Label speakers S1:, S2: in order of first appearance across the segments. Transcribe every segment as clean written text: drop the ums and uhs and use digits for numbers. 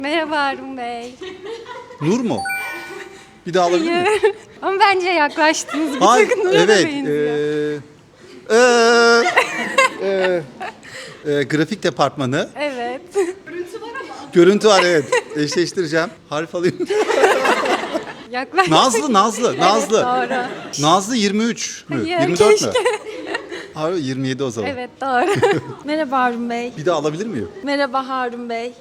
S1: Merhaba Harun Bey.
S2: Nur mu? Bir daha alabilir miyim?
S1: Hayır. Ama bence yaklaştınız. Bir
S2: Hayır,
S1: tık Nur'a da
S2: evet.
S1: benziyor.
S2: Grafik departmanı.
S1: Evet.
S2: Görüntü var evet. Eşleştireceğim. Harf alayım.
S1: Yaklaştık.
S2: Nazlı.
S1: Doğru.
S2: Nazlı 23 mü?
S1: Hayır,
S2: 24 mü?
S1: keşke.
S2: Hayır 27 o zaman.
S1: Evet doğru. Merhaba Harun Bey.
S2: Bir daha alabilir miyim?
S1: Merhaba Harun Bey.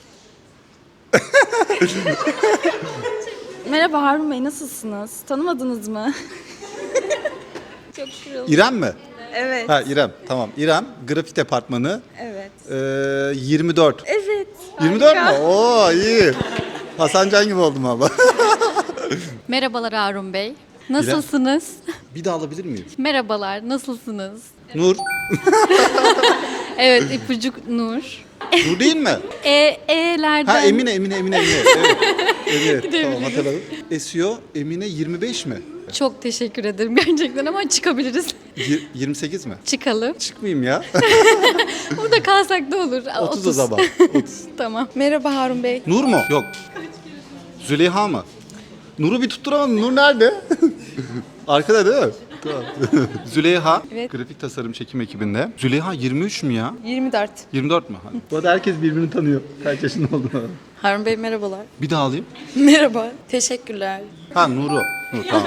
S1: Merhaba Harun Bey, nasılsınız? Tanımadınız mı? Çok kırıldım.
S2: İrem mi?
S1: Evet.
S2: Ha İrem. Tamam. İrem grafik departmanı.
S1: Evet.
S2: 24.
S1: Evet.
S2: 24
S1: harika.
S2: mu? Oo iyi. Hasan Can gibi oldum abla.
S3: Merhabalar Harun Bey. Nasılsınız?
S2: Bir daha alabilir miyim?
S3: Merhabalar, nasılsınız?
S2: Nur.
S3: Evet, ipucuk Nur.
S2: Nur değil mi?
S3: E'lerden...
S2: Ha Emine. Evet. Emine. Tamam hatırladım. SEO Emine 25 mi?
S3: Çok teşekkür ederim gerçekten ama çıkabiliriz.
S2: 28 mi?
S3: Çıkalım.
S2: Çıkmayayım ya.
S3: Burada kalsak da olur.
S2: 30 o zaman. 30.
S3: Tamam.
S1: Merhaba Harun Bey.
S2: Nur mu? Yok. Züleyha mı? Nur'u bir tutturamadım. Nur nerede? Arkada değil mi? Tamam. Züleyha.
S1: Evet.
S2: Grafik tasarım çekim ekibinde. Züleyha 23 mü ya?
S1: 24.
S2: 24 mü? Bu arada herkes birbirini tanıyor. Kaç yaşında olduğunu.
S1: Harun Bey merhabalar.
S2: Bir daha alayım.
S1: Merhaba. Teşekkürler.
S2: Ha Nur'u. Nur tamam.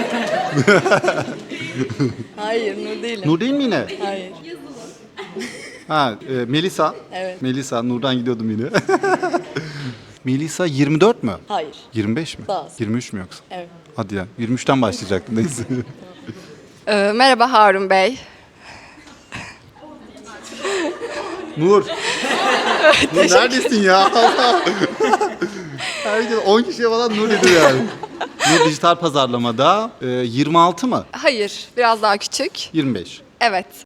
S1: Hayır Nur değilim.
S2: Nur değil mi yine?
S1: Hayır.
S2: Ha Melisa.
S1: Evet.
S2: Melisa. Nur'dan gidiyordum yine. Melisa 24 mü?
S1: Hayır.
S2: 25 mi?
S1: Daha az.
S2: 23 mü yoksa?
S1: Evet.
S2: Hadi ya. 23'ten başlayacaktım neyse.
S4: Merhaba Harun Bey.
S2: Nur. Nur neredesin ya? Herkes 10 kişiye falan Nur dedi yani. Nur dijital pazarlamada 26 mı?
S4: Hayır, biraz daha küçük.
S2: 25.
S4: Evet.